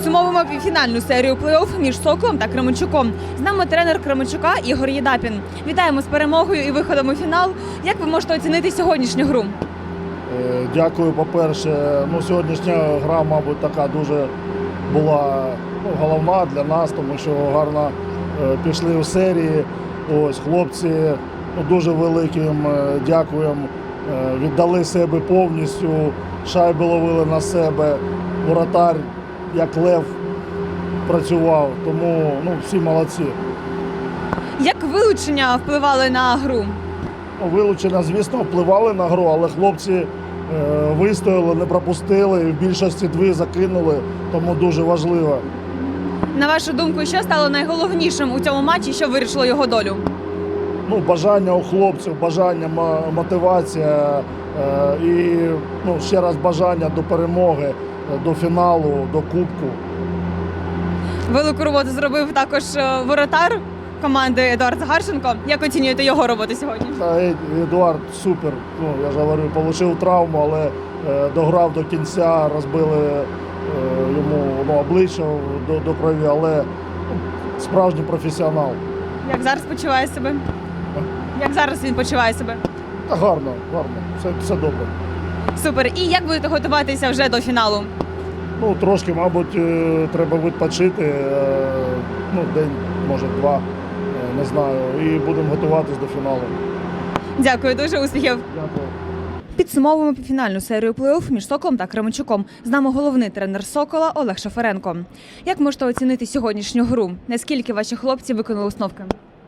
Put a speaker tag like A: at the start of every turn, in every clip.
A: Підсумовуємо півфінальну серію плей-офф між Соколом та Кременчуком. З нами тренер Кременчука Ігор Єдапін. Вітаємо з перемогою і виходом у фінал. Як ви можете оцінити сьогоднішню гру?
B: Дякую, по-перше. Сьогоднішня гра, мабуть, така дуже була головна для нас, тому що гарно пішли в серії. Ось, хлопці дуже великим дякуємо. Віддали себе повністю, шайби ловили на себе. Воротар, як лев, працював, тому всі молодці.
A: Як вилучення впливали на гру?
B: Вилучення, звісно, впливали на гру, але хлопці вистояли, не пропустили, в більшості дві закинули, тому дуже важливо.
A: На вашу думку, що стало найголовнішим у цьому матчі, що вирішило його долю?
B: Бажання у хлопців, бажання, мотивація і ще раз бажання до перемоги, до фіналу, до кубку.
A: Велику роботу зробив також воротар команди Едуард Гарченко. Як оцінюєте його роботу сьогодні?
B: Едуард супер. Я ж говорю, отримав травму, але дограв до кінця, розбили йому обличчя до крові, але справжній професіонал.
A: Як зараз почуває себе? Як зараз він почуває себе?
B: Гарно, все добре.
A: Супер. І як будете готуватися вже до фіналу?
B: Трошки, мабуть, треба відпочити, день, може, два, не знаю, і будемо готуватись до фіналу.
A: Дякую, дуже успіхів.
B: Дякую.
A: Підсумовуємо фінальну серію плей-офф між Соколом та Кременчуком. З нами головний тренер Сокола Олег Шафаренко. Як можете оцінити сьогоднішню гру? Наскільки ваші хлопці виконали установки?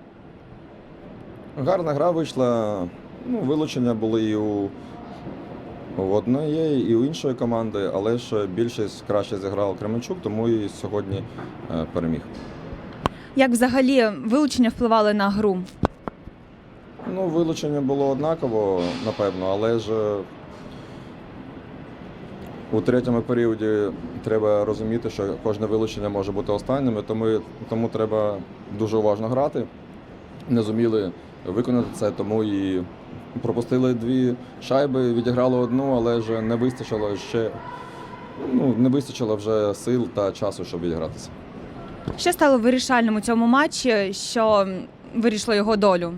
C: Гарна гра вийшла. Вилучення були і у одної, і у іншої команди, але ж більшість краще зіграв Кременчук, тому і сьогодні переміг.
A: Як взагалі вилучення впливали на гру?
C: Вилучення було однаково, напевно, але ж у третьому періоді треба розуміти, що кожне вилучення може бути останнім, тому треба дуже уважно грати. Не зуміли виконати це, тому і пропустили дві шайби, відіграли одну, але ж не вистачило вже сил та часу, щоб відігратися.
A: Що стало вирішальним у цьому матчі, що вирішило його долю?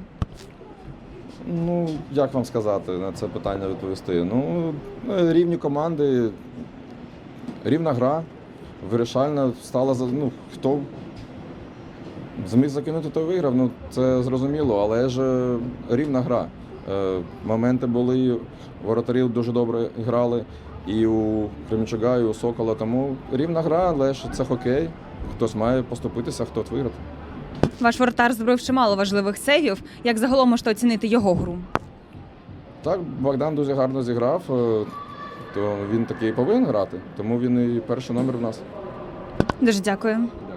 C: Як вам сказати, на це питання відповісти? Рівні команди, рівна гра, вирішальна стала, хто зміг закинути, той виграв, це зрозуміло, але ж рівна гра. Моменти були, воротарі дуже добре грали, і у Кременчука, і у Сокола, тому рівна гра, але ж це хокей, хтось має поступитися, хтось виграти.
A: Ваш воротар зробив чимало важливих сейвів. Як загалом можете оцінити його гру?
C: Так, Богдан дуже гарно зіграв, то він такий повинен грати, тому він і перший номер в нас.
A: Дуже дякую.